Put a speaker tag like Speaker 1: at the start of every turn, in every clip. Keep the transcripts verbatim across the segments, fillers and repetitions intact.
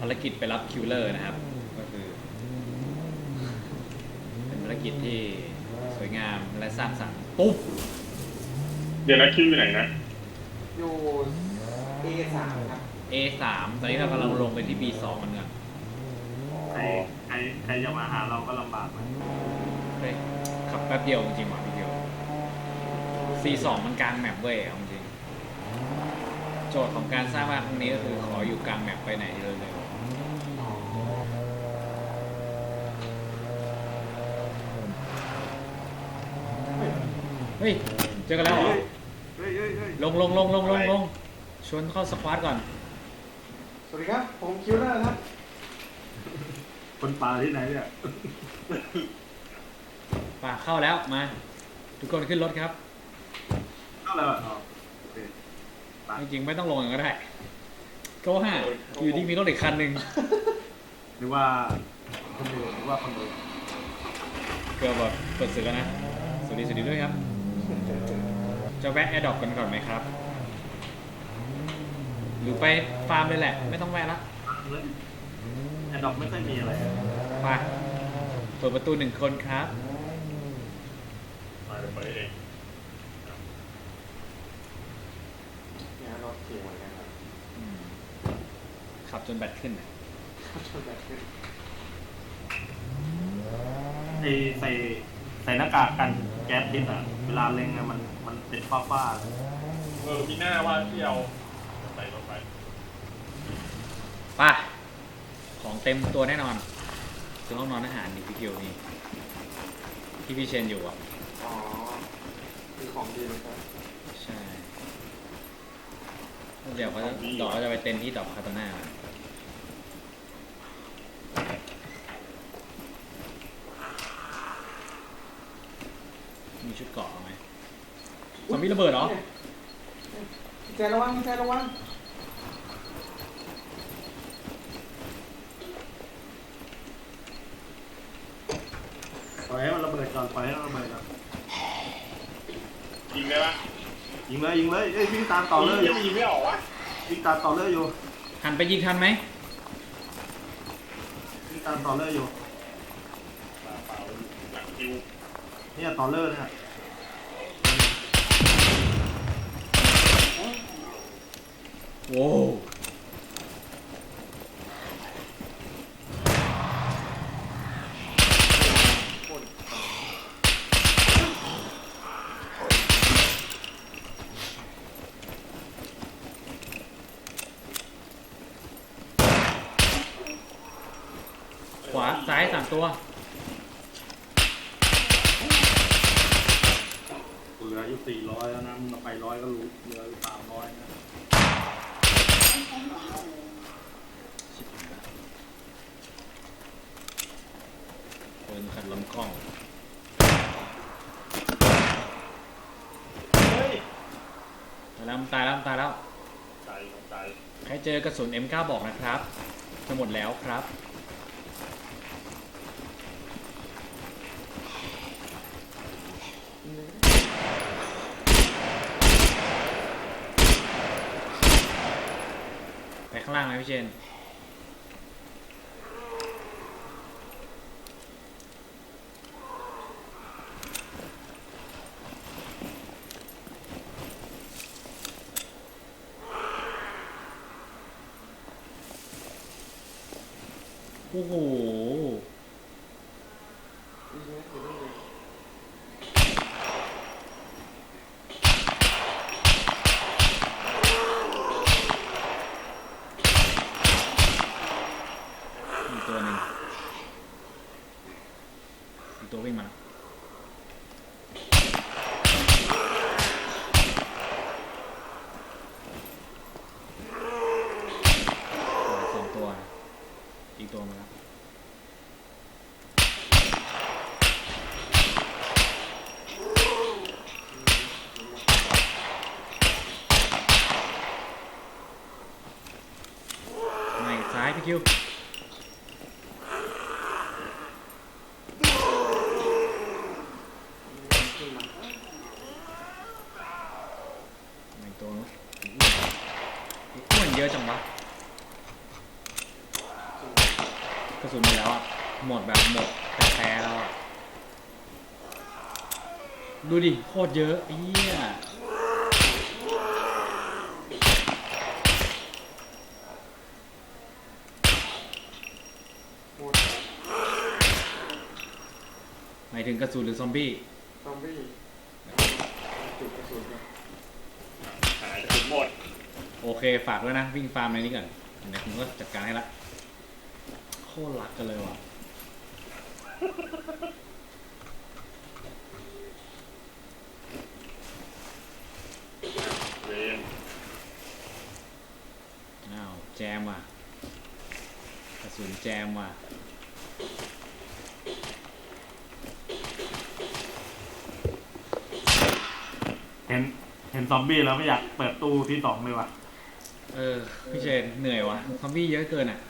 Speaker 1: ารกิจไปรับคิวเลอร์นะครับก็คือเป็นภารกิจที่สวยงามและสร้างสรรค์ปุ๊บ
Speaker 2: เดี๋ยวนะคิวอยู่ไหนนะ
Speaker 3: อยู่ เอ สาม ครับ
Speaker 1: เอ สาม ตอนนี้เรากำลังลงไปที่ บี สอง กันกัน
Speaker 4: ใครใครใครจะมาหาเราก็ลำบากนะ
Speaker 1: เฮ้ยขับแป๊บเดียวจริงๆว่ะพี่เดียว ซี สอง มันกลางแมปเว้ยเอาจริงโจทย์ของการสร้างบ้านครั้งนี้ก็คือขออยู่กลางแมปไปไหนเลยเลยเฮ้ยเจอกันแล้วเหรอ
Speaker 4: เฮ้ยเฮ้ยเฮ้ย
Speaker 1: ลงลงลงลงลงลงชวนเข้าสควอตก่อน
Speaker 3: สวัสดีครับ ผมคิวเลอร์ครับ
Speaker 4: คนป่าที่ไหนเนี่ย
Speaker 1: ป่าเข้าแล้วมา ทุกคนขึ้นรถครับ
Speaker 4: เข้าแล้วอ๋อโอเค
Speaker 1: จริงๆไม่ต้องลงก็ได้ก็ว่าอยู่ที่มีรถอีกคันหนึ่ง
Speaker 4: หรือว่าคนอื่นหรือว่าคนอื่น
Speaker 1: เกือบแบบเปิดศึกแล้วนะสวัสดีสวัสดีด้วยครับจะแวะแอร์ดรอปกันก่อนไหมครับหรือไปฟาร์มเลยแหละไม่ต้องแวะละ
Speaker 4: แอดดอกไม่ค่อยมีอะไร
Speaker 1: ไปเปิดประตูหนึ่งคนครับ
Speaker 2: ไปไปเอง
Speaker 3: เนี่ยรถเสียงเหมือนกันครับ
Speaker 1: อืมขับจนแบตขึ้นน่ะ
Speaker 3: ชนแบบขึ้น
Speaker 4: ไอใส่ใส่หน้ากากกันแก๊สพิษอ่ะเวลาเล็งอะมันมันเป็นฟ้าฟ้า
Speaker 2: เออมีหน้าว่าที่เอาใส่ลงไป
Speaker 1: ไปของเต็มตัวแน่นอนคือห้องนอนอาหารนี่พี่เกียวนี่ที่พี่เชนอยู่อ่ะ
Speaker 3: อ๋อคือของดีเลยครับ
Speaker 1: ใช่เดี๋ยวเขาจะดอกเขาจะไปเต็นที่ดอกคาตาน่ามีชุดเกราะไหมซอมบี้ระเบิดเหรอ
Speaker 3: พี่แจระวังพี่แจระวัง
Speaker 4: ปล่อยให้มันระเบิดก่อนปล่อยให้มันระเบิดก่อน
Speaker 2: ยิงได้ปะ
Speaker 4: ยิงเลยยิงเลยเอ้ยวิ่งตามต่อเลย
Speaker 2: ยังยิงไม่ออกวะ
Speaker 4: วิ่งตามต่อเลยอยู่
Speaker 1: หันไปยิงทันไหม
Speaker 4: วิ่งตามต่อเลยอยู่
Speaker 2: เปล่าเปล่าหลังคิว
Speaker 4: เนี่ยต่อเลยเนี่ย
Speaker 1: โว้วขวาซ้ายสามตัว
Speaker 4: เหลืออยู่สี่ร้อยแล้วนะมึงเอาไปร้อยก็รู้เหลืออยู่สามร้อยนะ
Speaker 1: เดินขัดลำกล้อง
Speaker 2: เฮ้ย
Speaker 1: ตายแล้วมันตายแล้วมันตายแล้ว
Speaker 2: ใจใจ
Speaker 1: ใครเจอกระสุน เอ็ม เก้า บอกนะครับ จะหมดแล้วครับ ไปข้างล่างไหมพี่เชน โอ้โห
Speaker 3: ดีไหมอยู่ตรงนี้
Speaker 1: มีตัวหนึ่งมีตัววิ่งมาแล้วสองตัว อีกตัวมาแล้วมาอีกซ้ายพี่คิว
Speaker 3: ขึ้นมา
Speaker 1: อีกตัวนู้นอ้วนเยอะจังวะระสุนหมดแล้วอ่ะหมดแบบหมดแท้ๆแล้วอ่ะดูดิโคตรเยอะไอ้เหี้ย
Speaker 3: หมด
Speaker 1: หมายถึงกระสุนหรือซอมบี้
Speaker 3: ซอมบี้จุดกระสุนนะ
Speaker 2: หายจะถึงหมด
Speaker 1: โอเคฝากด้วยนะวิ่งฟาร์มในนี้ก่อนเดี๋ยวผมก็จัดการให้ละโคตรรักกันเลยว่ะ
Speaker 2: เวน
Speaker 1: อ้าวแจมว่ะกระสุนแจมว่ะ
Speaker 4: เห็นเห็นซอมบี้แล้วไม่อยากเปิดตู้ที่สองเลยว่ะ
Speaker 1: เออพี่เชนเหนื่อยว่ะซอมบี้เยอะเกินอ่ะ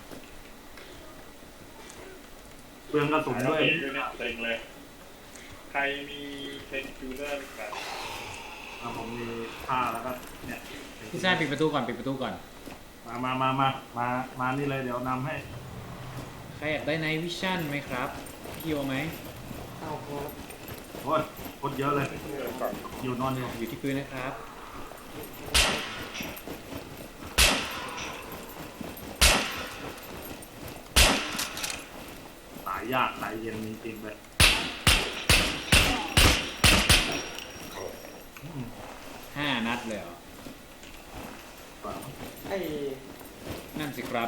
Speaker 4: เปลืองกระสุน
Speaker 2: หายแล้ว
Speaker 4: ด้วย
Speaker 2: เองด้วยเนี่ยเต็งเลย ใครมีเพนคิวเลอร์แบบ
Speaker 4: อ่ะผมมีผ้าแล้วก็เนี่ย
Speaker 1: พี่ชายปิดประตูก่อนปิดประตูก่อน
Speaker 4: มามามามามามานี่เลยเดี๋ยวนำให้
Speaker 1: ใครอยากได้ไนท์วิชั่นไหมครับพี่โอไหม
Speaker 3: เอาพอ
Speaker 4: โอ้ยโคตรเยอะเลย
Speaker 2: เพื่อนก่อน
Speaker 4: อยู่นอนอยู่
Speaker 1: อยู่ที่พื้นนะครับ
Speaker 4: สายยากสายเย็นจริงๆเลยอืม
Speaker 1: ห้านัดเลยเหรอ
Speaker 4: กว่า
Speaker 3: ไอ้
Speaker 1: นั่นสิครับ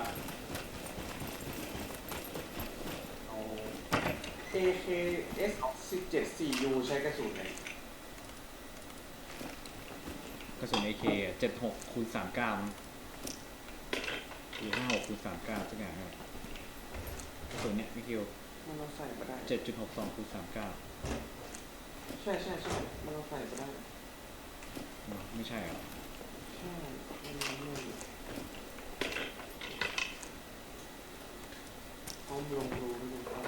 Speaker 4: เอา
Speaker 3: เอ เค เอส สิบเจ็ด สี่ ยู ใช้กระสุนไหน
Speaker 1: กระสุน เอ เค อ่ะเจ็ดหกคูณสามเก้ามั้งหรือห้าหกคูณสามเก้าสักอย่างเนี่ยกระสุนเนี่ยพี่คิว
Speaker 3: มันเราใส่มาได้
Speaker 1: เจ็ดจุดหกสองคูณสามเก้า
Speaker 3: ใช่ใช่ใช่มันเราใส่มาได้
Speaker 1: ไม่ใช่เหรอ
Speaker 3: ใช่มันมีเงื่อนอยู่เขาลงรูนี่ครับ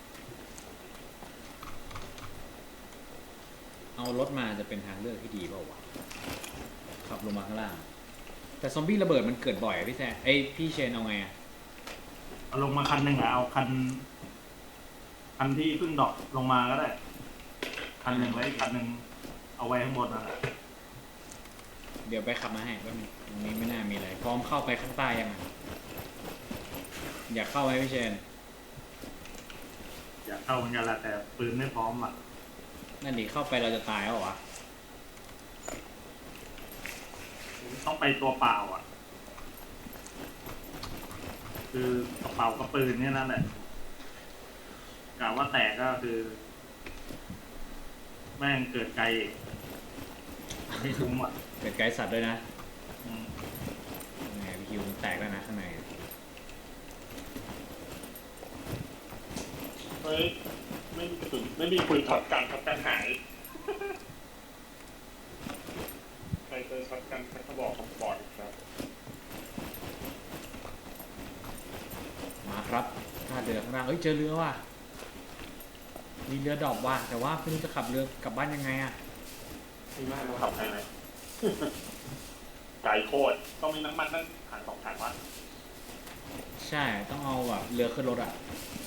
Speaker 1: เอารถมาจะเป็นทางเลือกที่ดีเปล่าวะขับลงมาข้างล่าง แต่ซอมบี้ระเบิดมันเกิดบ่อยอะพี่แซมไอยพี่เชนเอาไงอะ
Speaker 4: เอาลงมาคันหนึ่งอะเอาคัน คันที่เพิ่งดรอกลงมาก็ได้ คันหนึ่งไว้อีกคันหนึ่งเอาไว้ข้างบนนั่นแหละ
Speaker 1: เดี๋ยวไปขับมาให้แป๊บนึงตรงนี้ไม่น่ามีอะไร พร้อมเข้าไปข้างใต้ยังอะอยากเข้าไหมพี่เชน
Speaker 4: อยากเข้าเหมือนกันแหละแต่ปืนไม่พร้อมอ่ะ
Speaker 1: นั่นดิเข้าไปเราจะตายแล้วเหรอวะ
Speaker 4: ต้องไปตัวเปล่าอ่ะ คือกระเป๋ากับปืนเนี่ยนั่นแหละกะว่าแตกก็คือ แม่งเกิดไกลอีกไม่คุ้มอ่ะ
Speaker 1: เกิดไกด์สัตว์ด้วยนะ
Speaker 4: อืม
Speaker 1: ยังไงพี่คิวมันแตกแล้วนะข้างใน
Speaker 2: เฮ้ยไม่มีกระสุนไม่มีปืนช็อตกันช็อตกันหาย ใครเจอช็อตกันกระบอกของบอร์ดครับ
Speaker 1: มาครับท่าเรือข้างล่างเอ้ยเจอเรือว่ะมีเรือดอกว่ะแต่ว่าไม่รู้จะขับเรือกลับบ้านยังไงอะ
Speaker 3: มีมากเรา
Speaker 2: ขับไปไหน ไกลโคตรต้องมีน้ำมันนั่นถังสองถังวะ
Speaker 1: ใช่ต้องเอาแบบเรือขึ้นรถอะ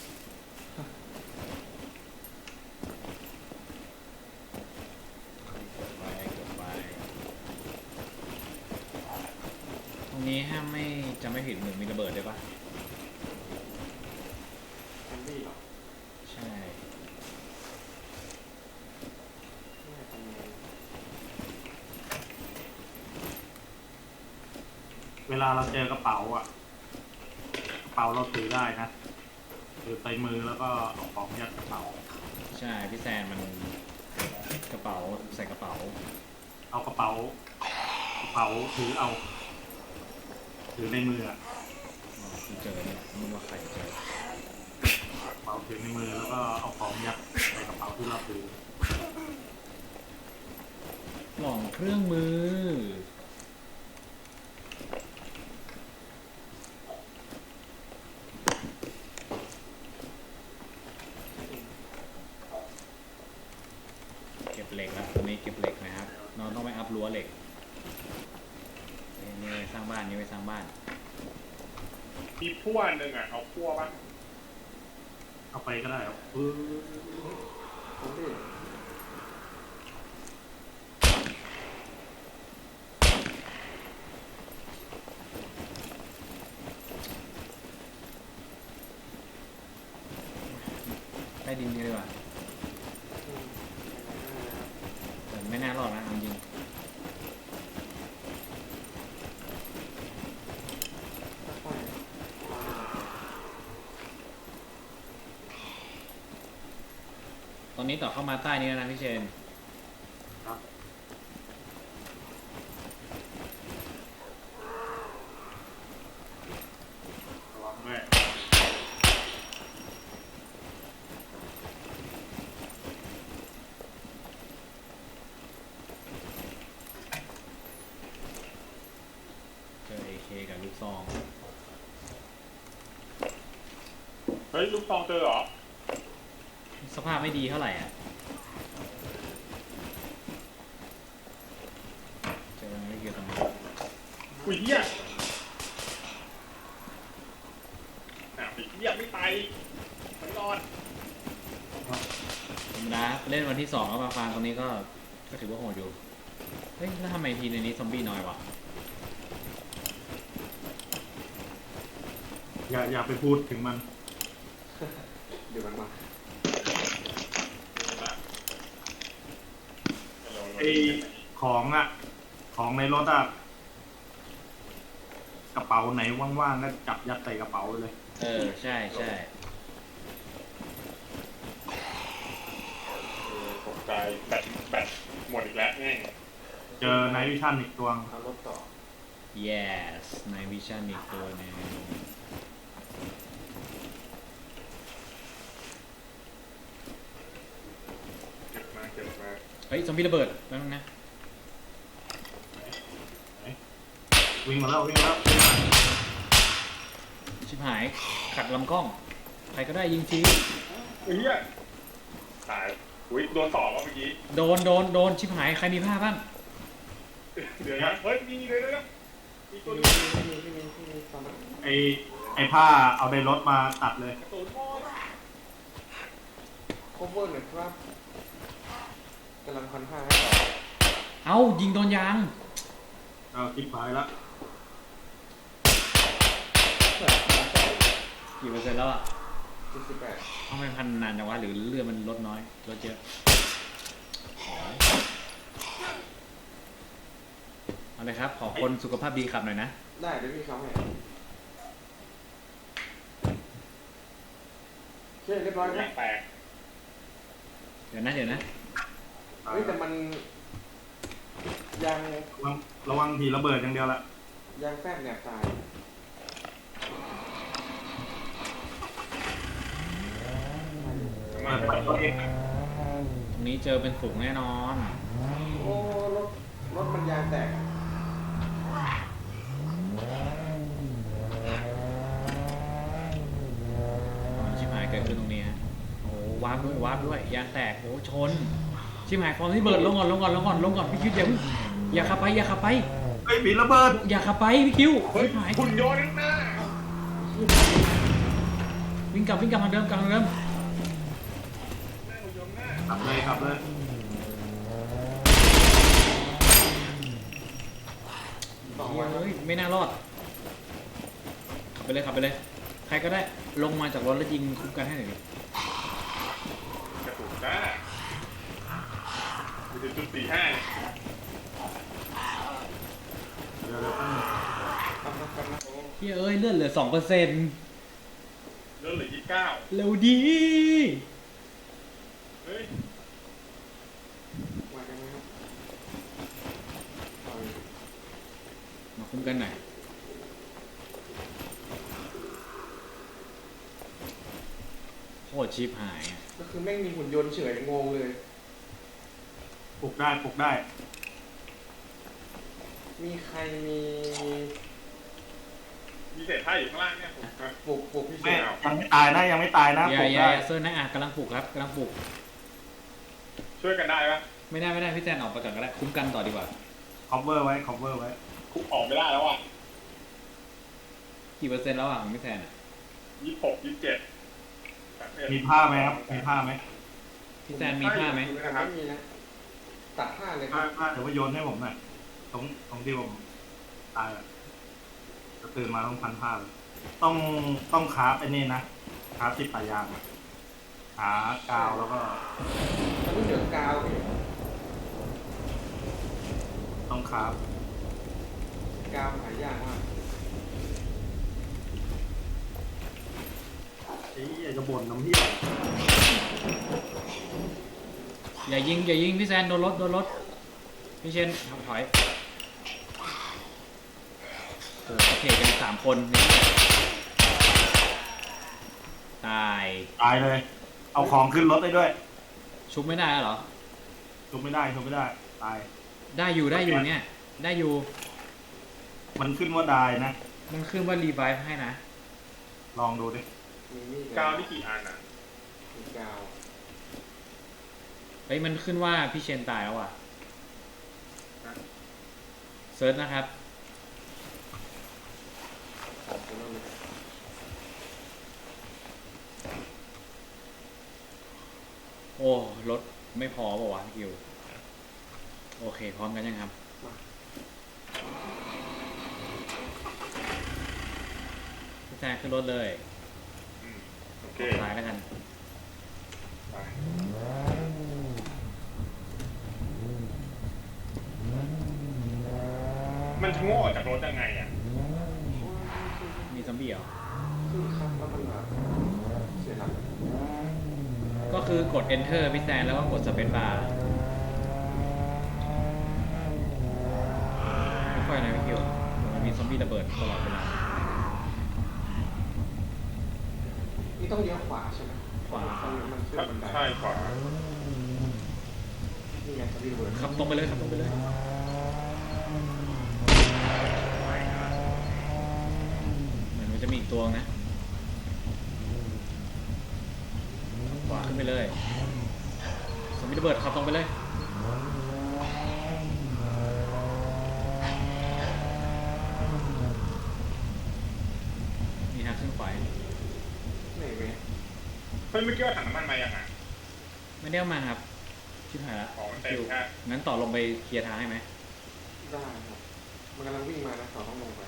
Speaker 1: เกิดไว้เกิดไว้ตรงนี้ห้ามไม่จำไม่ผิดเหมือนมีระเบิดด้วยปะ
Speaker 3: ซอมบี้เหรอ
Speaker 1: ใช่
Speaker 3: ไม่ทำไง
Speaker 4: เวลาเราเจอกระเป๋าอ่ะ กระเป๋าเราถือได้นะถือใส่มือแล้วก็เอาของยัดกระเป๋า
Speaker 1: ใช่พี่แซนมันกระเป๋าใส่กระเป๋า
Speaker 4: เอากระเป๋า กระเป๋าถือเอา ถือในมืออะ
Speaker 1: อ๋อคือเจอเนี่ยไมึงว่าใครเจอก
Speaker 4: ระเป๋าถือในมือแล้วก็เอาของยัดใส่กระเป๋าที่เราถือ
Speaker 1: กล่องเครื่องมือเก็บเหล็กแล้วตอนนี้เก็บเหล็กนะครับเราต้องไปอัพรั้วเหล็กนี่นี่ไปสร้างบ้านนี่ไปสร้างบ้าน
Speaker 2: มีพั่วหนึ่งอ่ะเอาพั่วป่ะ
Speaker 4: เข้าไปก็ได้ครับปื้อ
Speaker 3: ผมดิ
Speaker 1: ใต้ดินกันดีกว่า
Speaker 3: อืม
Speaker 1: แต่ไม่น่ารอดนะเอาจริง
Speaker 3: ค่อยๆ
Speaker 1: ตอนนี้ต่อเข้ามาใต้นี้แล้วนะพี่เชน
Speaker 4: ครับระวังด้วย
Speaker 1: เจอ เอ เค กับลูกซอง
Speaker 2: เฮ้ยลูกซองเจอเหรอ
Speaker 1: สภาพไม่ดีเท่าไหร่อ่ะ เจอไม่เกี่ยวกับมัน
Speaker 2: อุ้ยเหี้ยอ่ะไอ้เหี้ยไม่ตายมันรอด
Speaker 1: ธรรมดาเล่นวันที่สองก็มาฟาร์มตรงนี้ก็ ก็ถือว่าโหดอยู่ เฮ้ย แล้วทำไมทีในนี้ซอมบี้น้อยวะ
Speaker 4: อย่าอย่าไปพูดถึงมัน
Speaker 3: เดี๋ยวมันมา
Speaker 4: ไอของอ่ะ ของในรถอ่ะ กระเป๋าไหนว่างๆก็จับยัดใส่กระเป๋าเลย
Speaker 1: เออ ใช่ใช่
Speaker 2: เออตกใจแบตแบตหมดอีกแล้วแม่ง
Speaker 4: เจอไนท์วิชั่นอีกตัว
Speaker 3: เอารถต่อ
Speaker 1: yes ในวิชั่นอีกตัวหนึง
Speaker 2: เก็บมาเก็บมา
Speaker 1: เฮ้ย ซอมบี้ระเบิดแป๊บนึงนะ
Speaker 4: วิ่งมาแล้ววิ่งมาแล้ว
Speaker 1: ชิบหาย ขัดลำกล้อง ใครก็ได้ยิงที
Speaker 2: อุ้ยเหี้ยตายอุ้ยโดนต่อวะเมื่อกี้
Speaker 1: โดน โดน โดน ชิบหาย ใครมีผ้าบ้าง
Speaker 2: เดี๋ยวนะเฮ้ยมีเลยนะมีตัว
Speaker 3: พี่
Speaker 2: นึ
Speaker 3: มี
Speaker 2: ง
Speaker 3: พี่มีพี่มีพี่มีตอนนั้น
Speaker 4: ไอไอผ้าเอาในรถมาตัดเลย
Speaker 2: กระสุนหมด
Speaker 3: โคเวอร์หน่อยครับกำลังพันห้าให้ต่อ
Speaker 1: เอ้า ยิงโดนยาง
Speaker 4: เอาคลิปหายแล้ว
Speaker 1: กี่เปอร์เซ็นต์แล้วอ่ะ
Speaker 3: เจ็ดสิบแปด
Speaker 1: ทำไมพันนานจังวะหรือเลือดมันลดน้อยลดเยอะเอาเลยครับ ขอคนสุขภาพดีขับหน่อยนะ
Speaker 3: ได้เดี๋ยวพี่เขาให้โอเคเรียบร้อยไหม
Speaker 2: แตก
Speaker 1: เดี๋ยวนะเดี๋ยวนะ
Speaker 3: เฮ้ยแต่มันยัง
Speaker 4: ระวังระวังทีระเบิดอย่างเดียวละ
Speaker 3: ยังแฟบแนบตาย
Speaker 4: เปิดไปตัวเอง
Speaker 1: ตรงนี้เจอเป็นฝูงแน่นอน
Speaker 3: โอ้รถรถมันยางแตก
Speaker 1: ชิบหายเกิดขึ้นตรงนี้ฮะโอ้วาร์ปด้วยวาร์ปด้วยยางแตกโอ้ชนชิบหายฟอร์มที่เบิร์ดลงก่อนลงก่อนลงก่อนลงก่อนพี่คิวอย่าเพิ่งอย่าขับไปอย่าขับไป
Speaker 4: เฮ้ยผีระเบิด
Speaker 1: อย่าขับไปพี่คิว
Speaker 2: เฮ้ย
Speaker 1: ชิบหาย
Speaker 2: หุ่นยนต์ข้างหน้า
Speaker 1: วิ่งกลับวิ่งกลับทางเดิมกลับทางเดิม
Speaker 2: หน้าหุ่นยนต์หน้า
Speaker 4: ขับเลยขับเลย
Speaker 3: สองวัน
Speaker 1: เฮ้ยไม่น่ารอดขับไปเลยขับไปเลย ใครก็ได้ลงมาจากรถแล้วยิงคุ้มกันให้หน่อยดิ
Speaker 2: กระสุนจ้ามีจุดสี่ห้า
Speaker 4: เดี๋ยวเดี๋ยวแป๊บนึง
Speaker 3: ทำนะทำนะ
Speaker 2: โอ้
Speaker 1: เฮ้ยเอ้ยเลื่อนเหลือสองเปอร์เซ็นต์
Speaker 2: เลือดเหลือยี่สิบเก้า
Speaker 1: เร็วดี
Speaker 2: เฮ้ย
Speaker 3: มากันไหมครับเอา
Speaker 1: มาคุ้มกันหน่อยโคตรชิปหายอะ
Speaker 3: ก็คือแม่งมีหุ่นยนต์เฉยงงเลย
Speaker 4: ปลุกได้ปลุกได้
Speaker 3: มีใครมี
Speaker 2: มีเศษผ้าอยู่ข้างล่างเนี่ยผมนะ
Speaker 3: ปลุกปลุกพี่เช
Speaker 4: ไม่
Speaker 3: น
Speaker 4: ยังไม่ตายนะยังไม่ตายนะ
Speaker 1: อ
Speaker 4: ป
Speaker 1: ย่า
Speaker 4: ลุก
Speaker 1: อย่า
Speaker 4: ได้
Speaker 1: อย่าเซิร์นนะอ่ะกำลังปลุกครับกำลังปลุก
Speaker 2: ช่วยกันได้ปะ
Speaker 1: ไม่ได้ไม่ได้พี่แซนออกไปก่อนก็ได้คุ้มกันต่อดีกว่า
Speaker 4: cover ไว้ cover ไว้
Speaker 2: คุกออกไม่ได้แล้วอ่ะ
Speaker 1: กี่เปอร์เซ็นต์แล้วอ่ะของพี่แซนอ่ะ
Speaker 2: ยี่สิบหกยี่สิบเจ็ดแปด
Speaker 4: มีผ้าไหมครับมีผ้าไหม
Speaker 1: พี่แซนมีผ้าไหม
Speaker 2: นะครับ
Speaker 3: ไม่มีนะ ตัดผ้าเลยค
Speaker 4: ผ้า
Speaker 3: รับ
Speaker 4: ผ้าเดี๋ยวว่าโยนให้ผมหน่อยตรงตรงที่ผมตายอะจะตื่นมาต้องพันผ้าเลยต้องต้องคราฟไอ้นี่นะคราฟติดปลายยางอะหากาวแล้วก็
Speaker 3: มันต้องเหลือกาวพี่
Speaker 4: ต้องคราฟ
Speaker 3: กาวหายากมาก
Speaker 4: ไอ้อยากจะบ่นน้ำเหี้ย
Speaker 1: อย่ายิงอย่ายิงพี่แซนโดนรถโดนรถพี่เชนทำถอยโอ้โหเทกันสามคนนี่ตาย
Speaker 4: ตายเลย เอาของขึ้นรถได้ด้วย
Speaker 1: ชุบไม่ได้แล้วเหรอ
Speaker 4: ชุบไม่ได้ชุบไม่ได้ตาย
Speaker 1: ได้อยู่ได้อยู่เนี่ยได้อยู่
Speaker 4: มันขึ้นว่าได้นะ
Speaker 1: มันขึ้นว่ารีไวฟ์ให้นะ
Speaker 4: ลองดูดิ
Speaker 3: มีมีด
Speaker 2: กาวนี่กี่อันอ่ะ
Speaker 3: มีกาว
Speaker 1: เฮ้ยมันขึ้นว่าพี่เชนตายแล้วอ่ะเซิร์ชนะครับ
Speaker 3: ของคุณต้องมี
Speaker 1: โอ้รถไม่พอเปล่าวะคิวโอเคพร้อมกันยังครับพี่แซนขึ้นรถเลย
Speaker 2: อืมโอ
Speaker 1: อ
Speaker 2: เค
Speaker 1: อกซ้ายแล้วกัน
Speaker 2: ไปมันชะโง่ออกจากรถยังไงอ่ะ
Speaker 1: มีซอมบี้เหรอ
Speaker 3: ขึ้นครับแล้วมันแบบเสียหลัก
Speaker 1: ก็คือกด enter พี่แซนแล้วก็กด space bar ไม่ค่อยนะพี่คิวมันมีซอมบี้ระเบิดตลอดเวลา
Speaker 3: นี่ต้องเลี้ยวขวาใช่ไหม
Speaker 1: ขวา
Speaker 3: มันมันขึ้นบันได
Speaker 2: ใช่ขวา
Speaker 3: นี่ไงสวิตช์เวิร์ด
Speaker 1: ขับตรงไปเลยขับตรงไปเลยเหมือนมันจะมีอีกตัวนะขวาขึ้นไปเลยซอมบี้ระเบิดขับตรงไปเลยนี่ฮะขึ้นขวา
Speaker 3: ไหนเว้ย
Speaker 2: เฮ้ยเมื่อกี้ว่าถังน้ำมันมายังอ่ะ
Speaker 1: ไม่ได้เอามาครับชิบหายละ
Speaker 2: อ๋อมันเต็ม
Speaker 1: อยู่
Speaker 2: แค่
Speaker 1: งั้นต่อลงไปเคลียร์ทางให้ไหม
Speaker 3: ได้ครับมันกำลังวิ่งมานะต่อต้องลงไป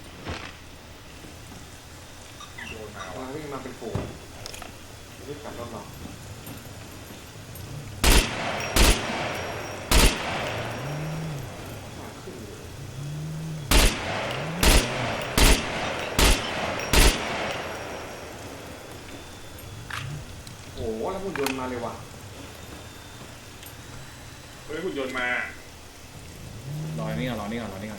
Speaker 2: โดนมาก
Speaker 3: ำลั
Speaker 2: ว่ะ
Speaker 3: งวิ่งมาเป็นฝูงรีบกลับรถเราขาขึ้นเลยโอ้โหแล้วหุ่นยนต์มาเลยว่ะ
Speaker 2: เฮ้ยหุ่นยนต์มาร
Speaker 1: อนี่ก่อนรอนี่ก่อนรอนี่ก่อน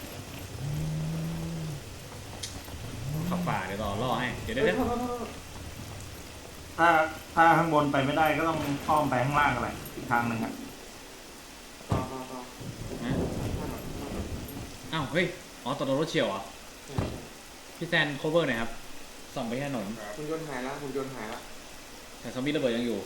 Speaker 1: ขับฝ่าเดี๋ยวรอล่อให้เดี๋ยวเดี๋ยว
Speaker 3: เฮ้ย
Speaker 1: เดี๋ยว
Speaker 3: โทษโทษโทษ
Speaker 4: ถ้าถ้าข้างบนไปไม่ได้ก็ต้องอ้อมไปข้างล่างอะไรอีกทางหนึ่งอะ
Speaker 3: ต่อต่อต่อ
Speaker 1: นะ
Speaker 3: มาหน่อยมาหน่อย
Speaker 1: อ้าวเฮ้ยอ๋อต่อรถเฉียวเหรอ
Speaker 3: ใช่
Speaker 1: พี่แซน cover หน่อยครับส่องไปที่ถนน
Speaker 2: ครับ
Speaker 3: หุ่นยนต์หายละหุ่นยนต์หายละ
Speaker 1: แต่ซอมบี้ระเบิดยังอยู่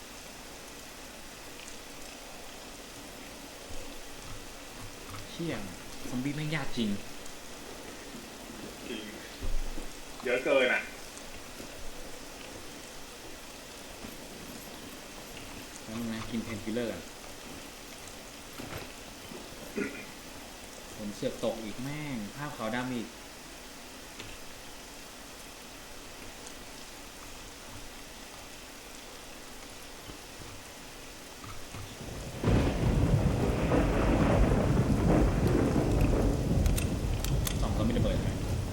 Speaker 1: เชี่ยงซอมบี้แม่งยากจริง
Speaker 2: จริงเยอะเกินอ่ะ
Speaker 1: แล้วมึงนะกินเพนคิลเลอร์กันผมเสือกตกอีกแม่ง ภาพขาวดำอีก สองซอมบี้ระเบิดใช่ไหม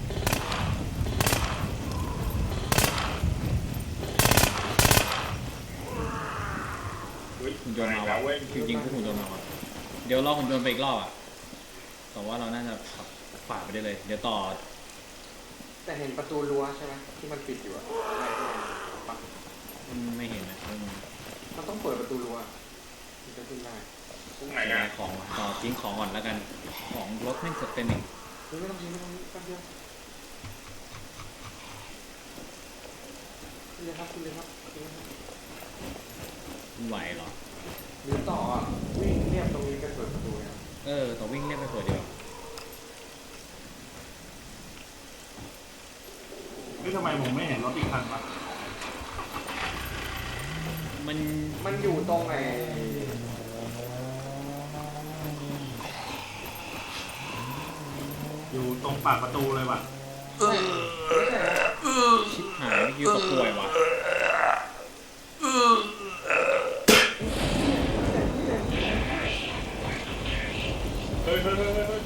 Speaker 2: เฮ้ย
Speaker 1: หุ่นยนต์มา
Speaker 2: แล้ว
Speaker 1: วะ
Speaker 2: เว้ย
Speaker 1: จริงๆพวกหุ่นยนต์มาวะเดี๋ยวรอหุ่นยนต์ไปอีกรอบอ่ะแต่ว่าเราน่าจะขับฝ่าไปได้เลย เดี๋ยวต่อ
Speaker 3: แต่เห็นประตูรั้วใช่ไหมที่มันปิดอยู่อะอะไรที่มันปัก
Speaker 1: มันไม่เห็นนะมัน
Speaker 3: มันต้องเปิดประตูรั้วถึงจะขึ้นได้
Speaker 2: ตรงไหน
Speaker 1: ขาย
Speaker 2: อ่ะ
Speaker 1: ของว่ะต่อทิ้งของก่อนแล้วกัน ของรถแม่งสเต็มอีก
Speaker 3: เฮ้ยไม่ต้องยิงไม่ต้องยิงแป๊บเดียวขึ้นเลยครับขึ้นเลยครับขึ้นเลยครับ
Speaker 1: มันไหวเหรอ
Speaker 3: หรือต่ออะวิ่งเรียบตรงนี้ไปเปิดประตูเลยครับ
Speaker 1: เออ ต่อวิ่งเรียกไปเปิดเดียว
Speaker 4: นี่ทำไมผมไม่เห็นรถอีกคันวะ
Speaker 1: มัน
Speaker 3: มันอยู่ตรงไหน
Speaker 4: อยู่ตรงปากประตูเลยว่ะ
Speaker 3: ไม่ใช่นะ
Speaker 1: ชิบหายนี่คือตัวป่วยวะ
Speaker 2: เฮ้ยเฮ้ยเฮ้ยเฮ้ยเฮ้ย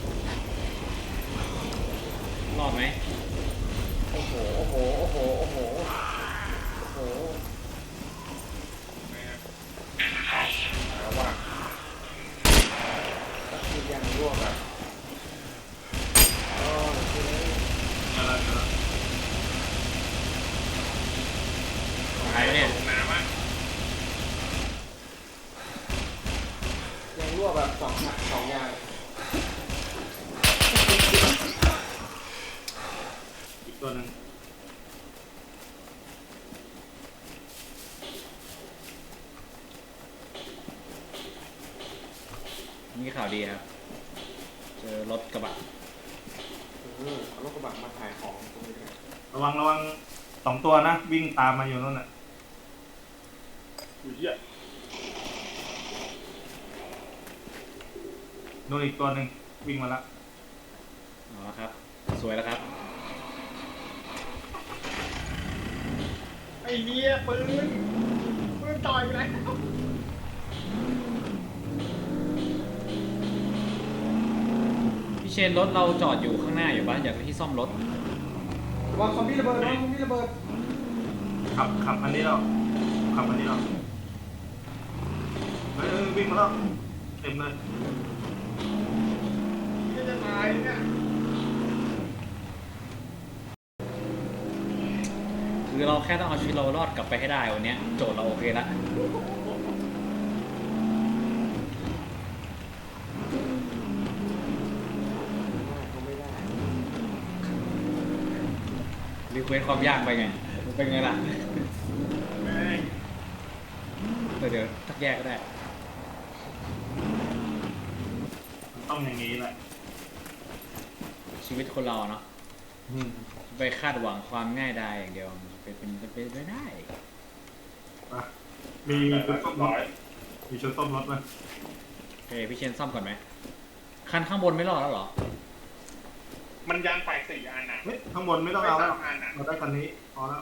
Speaker 1: รอดไหม
Speaker 3: โอ้โห โอ้โห โอ้โห โอ้โห โอ้โห
Speaker 2: แม่ง
Speaker 3: แล้วว่ะก็คือยังรั่วแบบโอ้ยคือ
Speaker 4: อะไรนะ
Speaker 1: ตายเนี่ย
Speaker 2: ลงน้ำอ่ะ
Speaker 3: ยังรั่วแบบสองอย่างสองอย่าง
Speaker 4: อีกตัวหนึ่ง
Speaker 1: มีข่าวดีครับ เจอรถกระบะ
Speaker 3: เออเอารถกระบะมาถ่ายของตรงนี้เลย
Speaker 4: ระวังระวังสองตัวนะ วิ่งตามมาอยู่นั่นน่ะ
Speaker 2: อุ้ยเหี้ย
Speaker 4: โดนอีกตัวหนึ่งวิ่งมาละ
Speaker 1: อ๋อครับ สวยแล้วครับ
Speaker 2: ไอ้เหี้ยปืนปืนต่อยไปแล้ว
Speaker 1: พี่เชนรถเราจอดอยู่ข้างหน้าอยู่ปะอยากไปที่ซ่อมรถ
Speaker 3: ระวังคอมพิวระเบิดระวังคอมพิวระเบิด
Speaker 4: ขับขับอันนี้แล้วขับอันนี้แล้วเฮ้ยเฮ้ยวิ่งมาแล้วเต็มเลย
Speaker 2: นี่จะตายเนี่ย
Speaker 1: คือเราแค่ต้องเอาชีวิตเรารอดกลับไปให้ได้วันเนี้ยโจทย์เราโอเคละ
Speaker 3: เขาไม่ได้
Speaker 1: รีเควสความยากไปไง เป็นไงล่ะ
Speaker 2: แม่ง
Speaker 1: แต่เดี๋ยวทักแยกก็ได้
Speaker 4: มันต้องอย่างนี้แหละ
Speaker 1: ชีวิตคนเราเนาะ
Speaker 4: อืม
Speaker 1: ไปคาดหวังความง่ายดายอย่างเดียวมันเป็นเป็นเป็นเป็นไม่ได้
Speaker 4: ไปมีชุดส้มร
Speaker 2: ร้
Speaker 4: ถ
Speaker 2: อย
Speaker 4: มีชุดส้มรถไหม
Speaker 1: โอเคพี่เชนซ่อมก่อนไหมคันข้างบนไม่รอดแล้วเหรอ
Speaker 2: มันยางแตกสี่อันอ่ะ
Speaker 4: เฮ้ยข้างบนไม่ต้องเอาแล้ว
Speaker 2: ไม่ต้องอ่านอะ
Speaker 4: เราได้คันนี้พอแล้ว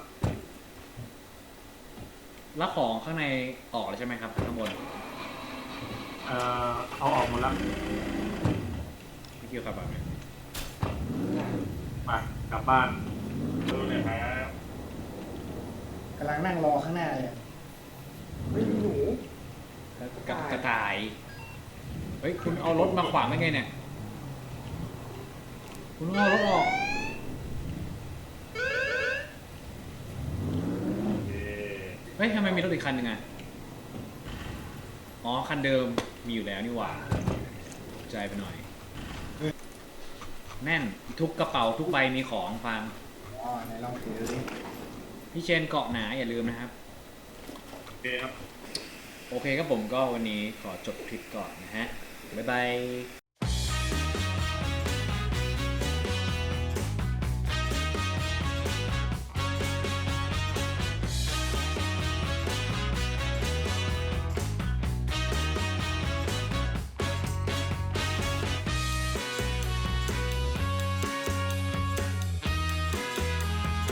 Speaker 1: แล้วของข้างในออกแล้วใช่ไหมครับข้างบน
Speaker 4: เอ่อเอาออกหมดแล้ว
Speaker 1: พี่คิวครับแบบนี้
Speaker 4: ไปกลับบ้าน
Speaker 2: ดูเลยครับ
Speaker 5: กำลังนั่งรอข้างหน้าเลย
Speaker 3: ไม่มีหนู
Speaker 1: กระกระต่าย เฮ้ยคุณเอารถมาขวางได้ไงเนี่ย คุณต้องเอารถออก
Speaker 2: เย้
Speaker 1: เฮ้ยทำไมมีรถอีกคันหนึ่งอ่ะ อ๋อคันเดิมมีอยู่แล้วนี่หว่าใจไปหน่อย แน่นทุกกระเป๋าทุกใบมีของฟัง
Speaker 5: อ๋อไหนลองถือดิ
Speaker 1: พี่เชนเกาะหนาอย่าลืมนะครับ
Speaker 4: โอเคครับ
Speaker 1: โอเคครับผมก็วันนี้ขอจบคลิปก่อนนะฮะ บ๊ายบาย